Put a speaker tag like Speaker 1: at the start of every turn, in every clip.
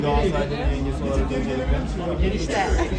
Speaker 1: Galatasaray'ın yengesi olarak öncelikle.
Speaker 2: İşte.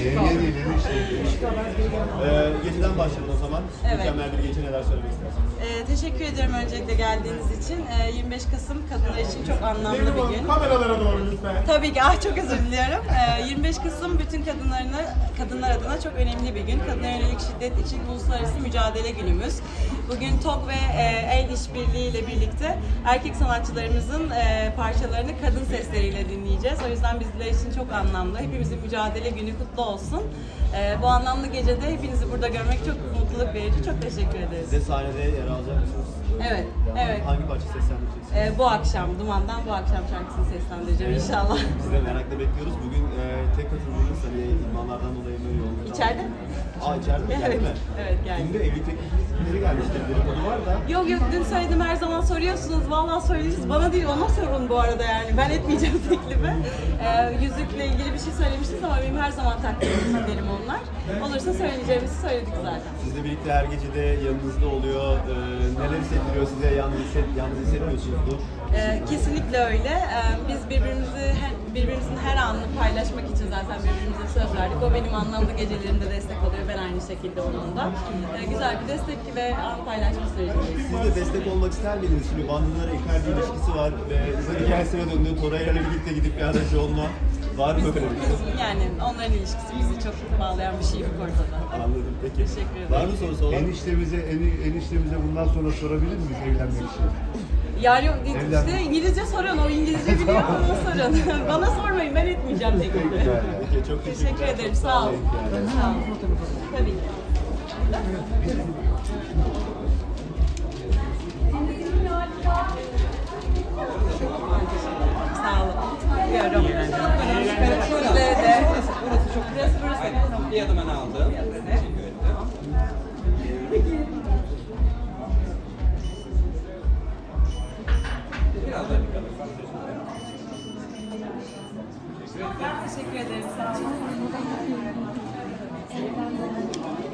Speaker 1: Geceden başlayalım o zaman.
Speaker 2: Evet.
Speaker 1: Mükemmel bir gece, neler söylemek istersiniz?
Speaker 2: Teşekkür ederim öncelikle geldiğiniz için. 25 Kasım kadınlar için çok anlamlı bir gün.
Speaker 1: Kameralara doğru lütfen.
Speaker 2: Tabii ki, çok özür diliyorum. 25 Kasım bütün kadınlar adına çok önemli bir gün. Kadına yönelik şiddet için uluslararası mücadele günümüz. Bugün TOG ve El İşbirliği ile birlikte erkek sanatçılarımızın parçalarını kadın sesleriyle dinleyeceğiz. O yüzden bizler için çok anlamlı. Hepimizin mücadele günü kutlu olsun. Bu anlamlı gecede hepinizi burada görmek çok mutluluk verici. Çok teşekkür ederiz.
Speaker 1: Siz de sahnede yer alacak mısınız?
Speaker 2: Evet, evet.
Speaker 1: Hangi parça seslendireceksiniz?
Speaker 2: Bu akşam, Duman'dan bu akşam şarkısını seslendireceğim inşallah.
Speaker 1: Biz de merakla bekliyoruz. Bugün tek katıldığınız hani idmanlardan dolayı böyle yoğun.
Speaker 2: İçeride?
Speaker 1: İçeride mi? Geldi
Speaker 2: Evet,
Speaker 1: mi?
Speaker 2: evet geldi.
Speaker 1: Dün de evlilik teklifleri gelmişti. Dedikodu var da.
Speaker 2: Yok dün söyledim, her zaman soruyorsunuz. Vallahi söyleyeceğiz. Bana değil, ona sorun bu arada yani. Ben etmeyeceğim teklifi. Yüzükle ilgili bir şey söylemiştiniz ama benim her zaman taktığım isimlerim onlar. Olursa söyleyeceğimizi söyledik zaten.
Speaker 1: Sizle birlikte her gecede yanınızda oluyor. Neler hissettiriyor size? Yalnız hissetmiyorsunuzdur.
Speaker 2: Kesinlikle öyle. Biz birbirimizin her anını paylaşmak için zaten birbirimize söz verdik. O benim anlamlı gecelerimde destek oluyor. Ben aynı şekilde onun da. Güzel bir destek ve an paylaşma sürecindeyiz.
Speaker 1: Siz de destek olmak ister miydiniz? Şimdi Bandırlara Icardi ilişkisi var ve size hikayesine döndü. Torreira ile birlikte gidip bir aracı olma. Var mı böyle bir şey?
Speaker 2: Yani onların ilişkisi bizi çok bağlayan bir şey yok ortada.
Speaker 1: Anladım. Peki.
Speaker 2: Teşekkür ederim.
Speaker 1: Var mı sorusu olan?
Speaker 3: Eniştemize bundan sonra sorabilir miyiz evlenmek için?
Speaker 2: Yani işte İngilizce sorun, o İngilizce biliyor, ona sorun. Bana sormayın, ben etmeyeceğim teklifi.
Speaker 1: Peki, çok
Speaker 2: Teşekkür ederim, sağ olun. Sağ olun. Tabii ki. Sağ olun. Görüyorum. Sizle de. Burası.
Speaker 4: Bir adım öne aldım. Teşekkür ederim. Biraz daha dikkat edin.
Speaker 2: Teşekkür ederim. Sağ olun.